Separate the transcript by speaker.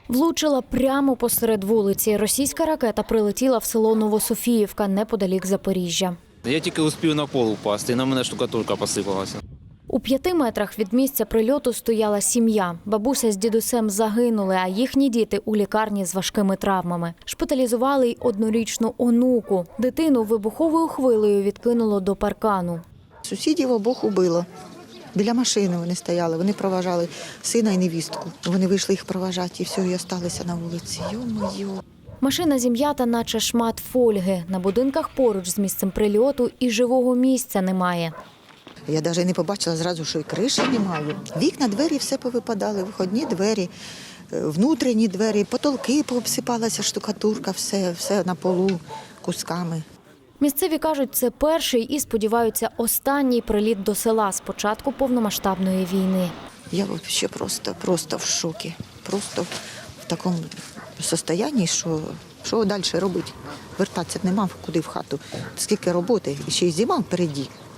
Speaker 1: Влучила прямо посеред вулиці. Російська ракета прилетіла в село Новософіївка, неподалік Запоріжжя.
Speaker 2: Я тільки успів на пол упасти, і на мене штукатурка посипалася.
Speaker 1: У 5 метрах від місця прильоту стояла сім'я. Бабуся з дідусем загинули, а їхні діти у лікарні з важкими травмами. Шпиталізували й 1-річну онуку. Дитину вибуховою хвилею відкинуло до паркану.
Speaker 3: Сусідів обох убило. Біля машини вони стояли, вони проважали сина і невістку. Вони вийшли їх проважати, і все, і залишилися на вулиці. Йо-моє.
Speaker 1: Машина зім'ята, наче шмат фольги. На будинках поруч з місцем прильоту і живого місця немає.
Speaker 3: Я навіть не побачила зразу, що і криші немає. Вікна, двері все повипадали, виходні двері, внутрішні двері, потолки пообсипалася штукатурка, все на полу кусками.
Speaker 1: Місцеві кажуть, це перший і, сподіваються, останній приліт до села з початку повномасштабної війни.
Speaker 3: Я взагалі просто в шокі, просто в такому стані, що далі робити. Вертатися нема куди в хату. Скільки роботи, і ще й зима впереді.